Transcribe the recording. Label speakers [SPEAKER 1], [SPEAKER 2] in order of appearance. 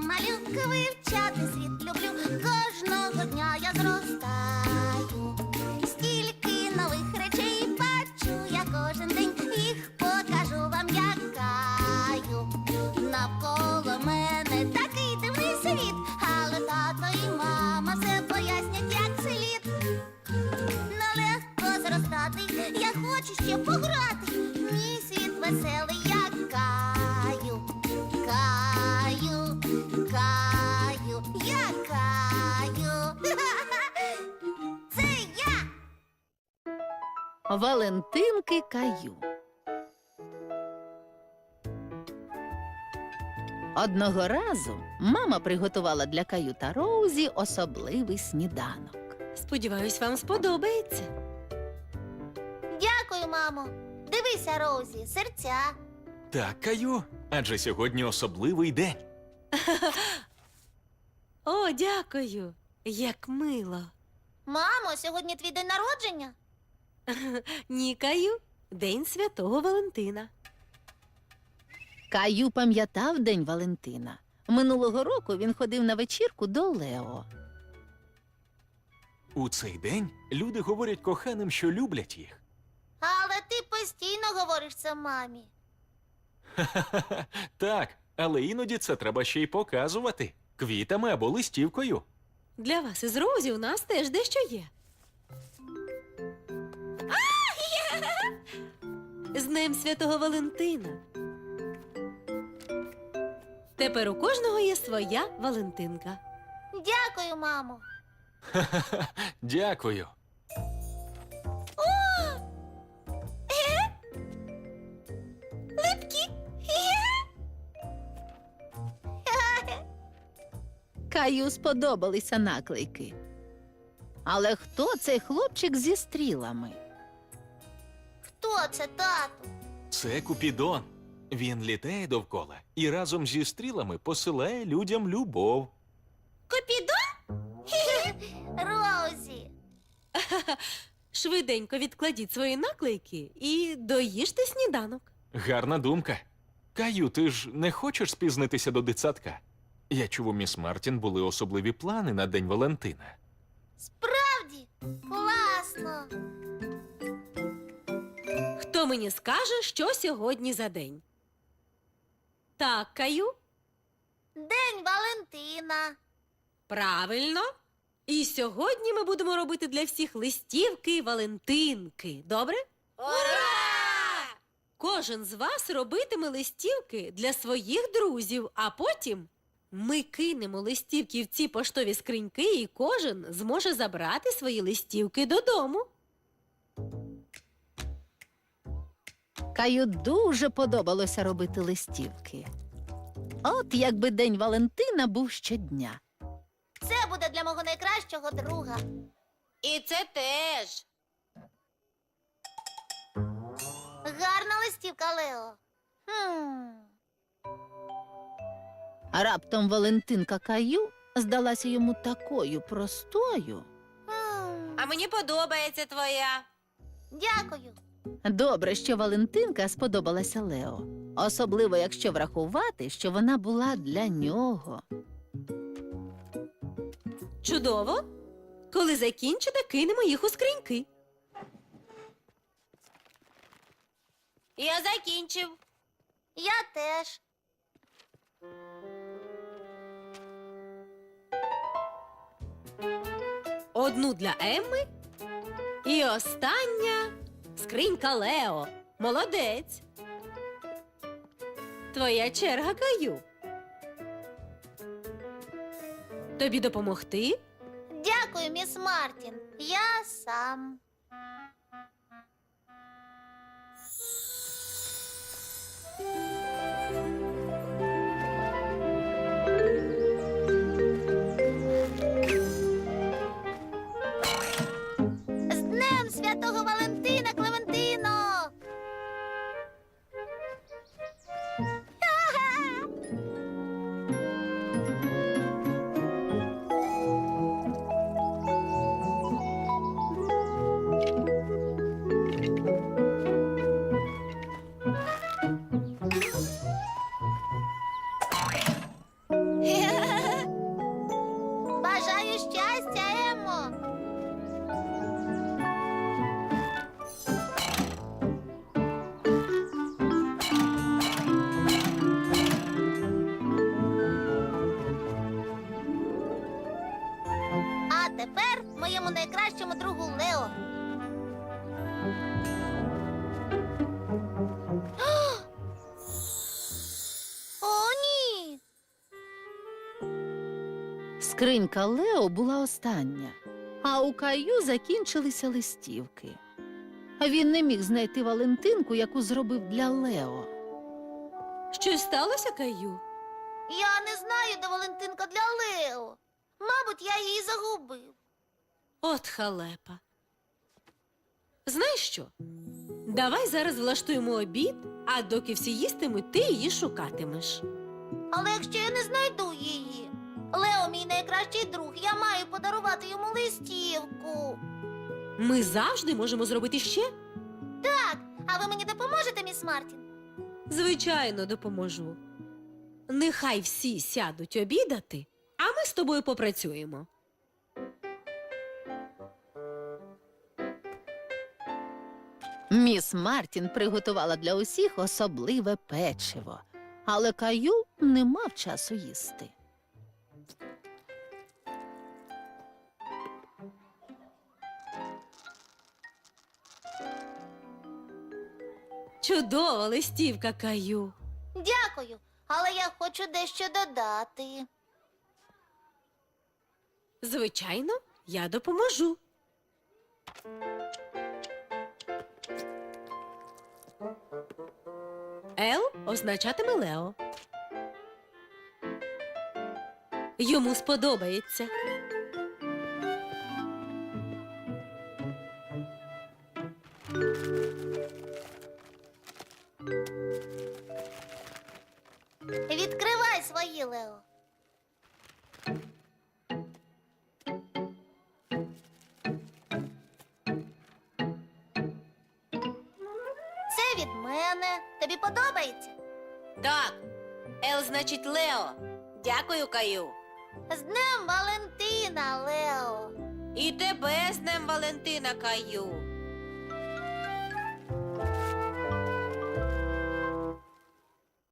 [SPEAKER 1] малюка, вивчати світ люблю. Кожного дня я зростаю. Стільки нових речей бачу я кожен день. Їх покажу вам, якаю. Навколо мене такий дивний світ, але тато і мама все пояснять, як слід. Нелегко зростати, я хочу ще пограти. Мій світ веселий, я каю, каю, каю, я каю. Це я!
[SPEAKER 2] Валентинки Каю. Одного разу мама приготувала для Каю та Роузі особливий сніданок.
[SPEAKER 3] Сподіваюсь, вам сподобається.
[SPEAKER 1] Дякую, мамо. Дивися, Роузі, серця.
[SPEAKER 4] Так, Каю, адже сьогодні особливий день.
[SPEAKER 3] О, дякую. Як мило.
[SPEAKER 1] Мамо, сьогодні твій день народження?
[SPEAKER 3] Ні, Каю, День Святого Валентина.
[SPEAKER 2] Каю пам'ятав День Валентина. Минулого року він ходив на вечірку до Лео.
[SPEAKER 4] У цей день люди говорять коханим, що люблять їх.
[SPEAKER 1] Але ти постійно говориш це мамі.
[SPEAKER 4] Так, але іноді це треба ще й показувати. Квітами або листівкою.
[SPEAKER 3] Для вас із Розі у нас теж дещо є. З Днем Святого Валентина. Тепер у кожного є своя Валентинка.
[SPEAKER 1] Дякую, мамо.
[SPEAKER 4] Дякую.
[SPEAKER 1] Липкі.
[SPEAKER 2] Каю сподобалися наклейки. Але хто цей хлопчик зі стрілами?
[SPEAKER 1] Хто це, тату?
[SPEAKER 4] Це Купідон. Він літає довкола і разом зі стрілами посилає людям любов.
[SPEAKER 1] Купідон? Роузі.
[SPEAKER 3] Швиденько відкладіть свої наклейки і доїжте сніданок.
[SPEAKER 4] Гарна думка. Каю, ти ж не хочеш спізнитися до дитсадка? Я чув, у міс Мартін були особливі плани на День Валентина.
[SPEAKER 1] Справді? Класно.
[SPEAKER 3] Хто мені скаже, що сьогодні за день? Так, Каю,
[SPEAKER 1] День Валентина.
[SPEAKER 3] правильно. І сьогодні ми будемо робити для всіх листівки Валентинки. Добре?
[SPEAKER 1] Ура!
[SPEAKER 3] Кожен з вас робитиме листівки для своїх друзів, а потім ми кинемо листівки в ці поштові скриньки, і кожен зможе забрати свої листівки додому.
[SPEAKER 2] Каю дуже подобалося робити листівки. От якби День Валентина був щодня.
[SPEAKER 1] Це буде для мого найкращого друга.
[SPEAKER 3] І це теж.
[SPEAKER 1] Гарна листівка, Лео.
[SPEAKER 2] А раптом Валентинка Каю здалася йому такою простою.
[SPEAKER 3] А мені подобається твоя.
[SPEAKER 1] Дякую.
[SPEAKER 2] Добре, що Валентинка сподобалася Лео. Особливо, якщо врахувати, що вона була для нього.
[SPEAKER 3] Чудово. Коли закінчите, кинемо їх у скриньки. Я закінчив.
[SPEAKER 1] Я теж.
[SPEAKER 3] Одну для Емми і остання скринька Лео. Молодець. Твоя черга, Каю. Тобі допомогти?
[SPEAKER 1] Дякую, міс Мартін. Я сам. З Днем Святого Валентина, Клементино! найкращому другу Лео. О, ні!
[SPEAKER 2] Скринька Лео була остання, а у Каю закінчилися листівки. Він не міг знайти Валентинку, яку зробив для Лео.
[SPEAKER 3] Щось сталося, Каю?
[SPEAKER 1] Я не знаю, де Валентинка для Лео. Мабуть, я її загубив.
[SPEAKER 3] От халепа. Знаєш що? Давай зараз влаштуємо обід, а доки всі їстимуть, ти її шукатимеш.
[SPEAKER 1] Але якщо я не знайду її, Лео мій найкращий друг, я маю подарувати йому листівку.
[SPEAKER 3] Ми завжди можемо зробити ще.
[SPEAKER 1] Так, а ви мені допоможете, міс Мартін?
[SPEAKER 3] Звичайно, допоможу. Нехай всі сядуть обідати, а ми з тобою попрацюємо.
[SPEAKER 2] Міс Мартін приготувала для усіх особливе печиво, але Каю не мав часу їсти.
[SPEAKER 3] Чудова листівка, Каю.
[SPEAKER 1] Дякую, але я хочу дещо додати.
[SPEAKER 3] Звичайно, я допоможу. Л означатиме Лео. Йому сподобається.
[SPEAKER 1] Відкривай свої, Лео. Це від мене. Тобі подобається?
[SPEAKER 3] Так, Л значить Лео. Дякую, Каю.
[SPEAKER 1] З Днем Валентина, Лео.
[SPEAKER 3] І тебе з Днем Валентина, Каю.